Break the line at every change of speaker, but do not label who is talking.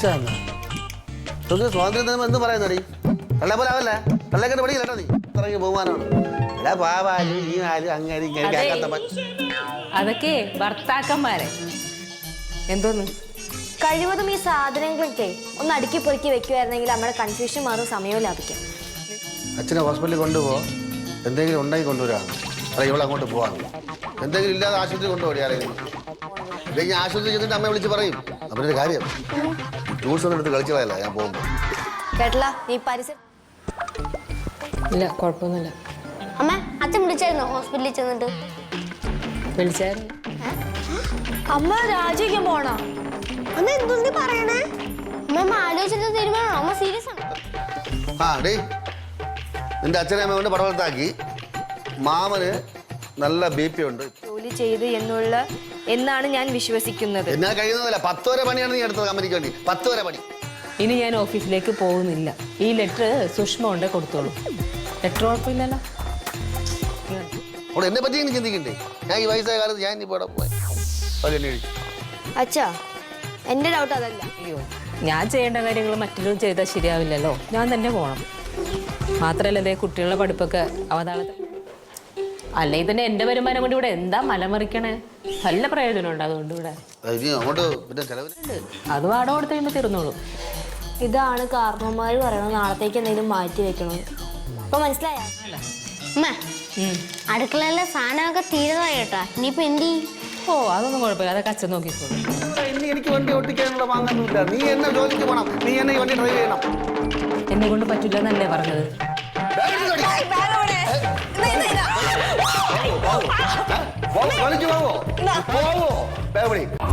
സ്വാതന്ത്ര്യം എന്ത് പറയുന്നടി കള്ള പോലെ ആവല്ലേ കള്ളക്കെട്ട് പഠിക്കില്ല കേട്ടോ നീ ഇറങ്ങി ബഹുമാനമാണ് എടാ പാവാലും ഈ ആരും അങ്ങനെ
അതൊക്കെ ഭർത്താക്കന്മാരെ എന്തോന്ന്
കഴിവതും ഈ സാധനങ്ങളൊക്കെ ഒന്ന് അടുക്കി പൊറുക്കി വെക്കുമായിരുന്നെങ്കിൽ നമ്മുടെ കൺഫ്യൂഷൻ മാറും സമയവും ലാഭിക്കാം.
അച്ഛനെ ഹോസ്പിറ്റലിൽ കൊണ്ടുപോ എന്തെങ്കിലും ഉണ്ടാക്കി കൊണ്ടുവരാം അല്ല ഇവിടെ അങ്ങോട്ട് പോവാം എന്തെങ്കിലും ഇല്ലാതെ ആശുപത്രി കൊണ്ടുപോയി ആരെങ്കിലും ഇല്ലെങ്കിൽ ആശുപത്രി ചെന്നിട്ട് അമ്മയെ വിളിച്ച് പറയും അവരുടെ കാര്യം ടൂൾസ് ഒന്നും എടുത്ത് കളിച്ചു പോയല്ല ഞാൻ പോകുമ്പോൾ
കേട്ടല്ല ഈ പരിസരം
ഇല്ല കുഴപ്പമൊന്നുമില്ല.
അമ്മ അച്ഛൻ വിളിച്ചായിരുന്നോ ഹോസ്പിറ്റലിൽ ചെന്നിട്ട്?
വിളിച്ചായിരുന്നു.
അമ്മ രാജിക്കാൻ പോണോ? അമ്മ എന്തൊന്നും പറയണേ? അമ്മ ആലോചിച്ചിട്ട് തീരുമാനമാണോ? അമ്മ സീരിയസ് ആണ്.
ആ ഡേ നിന്റെ അച്ഛനെ അമ്മ കൊണ്ട് പടവലത്താക്കി മാമന് നല്ല BP ഉണ്ട്
ജോലി ചെയ്ത് എന്നാണ് ഞാൻ വിശ്വസിക്കുന്നത്.
എന്നാ കഴിയുന്നതല്ല 10 വരെ പണിയാണ് നീ എടുത്തത് കമ്പനിക്ക് വേണ്ടി 10 വരെ പണി.
ഇനി ഞാൻ ഓഫീസിലേക്ക് പോകുന്നില്ല. ഈ ലെറ്റർ സുഷ്മ കൊണ്ടേ കൊടുത്തോളൂ. ലെറ്റർ കുഴപ്പമില്ലല്ലോ.
അവിടെ എന്നെ പറ്റി ഇങ്ങനെ ചിന്തിക്കണ്ടേ? ഞാൻ ഈ വയസ്സായ കാലത്ത് ഞാൻ ഇനി പോയി
അച്ഛാ എന്റെ ഡൗട്ട് അതല്ല.
അയ്യോ ഞാൻ ചെയ്യേണ്ട കാര്യങ്ങൾ മറ്റൊരു ചെയ്താൽ ശരിയാവില്ലല്ലോ. ഞാൻ തന്നെ പോകണം. മാത്രമല്ല ഇതേ കുട്ടികളുടെ പഠിപ്പൊക്കെ അവതാളത്തിൽ അല്ലേ തന്നെ എൻ്റെ വരുമാനം കൊണ്ട് ഇവിടെ എന്താ മലമറിക്കണേ? നല്ല പ്രയോജനമുണ്ട് അതുകൊണ്ട് ഇവിടെ അത് വാടക കൊടുത്ത് കഴിയുമ്പോൾ തീർന്നോളൂ.
ഇതാണ് കാരണവന്മാർ പറയണത് നാളത്തേക്ക് എന്തെങ്കിലും മാറ്റി വെക്കണം. അപ്പൊ മനസ്സിലായ അടുക്കളയിലെ സാധനമൊക്കെ തീരുന്നതായി കേട്ടാ. ഇനിയിപ്പോ എന്ത് ചെയ്യും?
ഓ അതൊന്നും കുഴപ്പമില്ല. അതൊക്കെ അച്ഛൻ നോക്കിക്കോളൂ.
എനിക്ക് വണ്ടി ഓട്ടിക്കാനുള്ള വാങ്ങാനൊന്നുമില്ല. നീ എന്നെ ജോലിക്ക് പോകണം. നീ എന്നെ വണ്ടി ഡ്രൈവ് ചെയ്യണം.
എന്നെ കൊണ്ട് പറ്റില്ല എന്നല്ലേ പറഞ്ഞത്?
പോവോ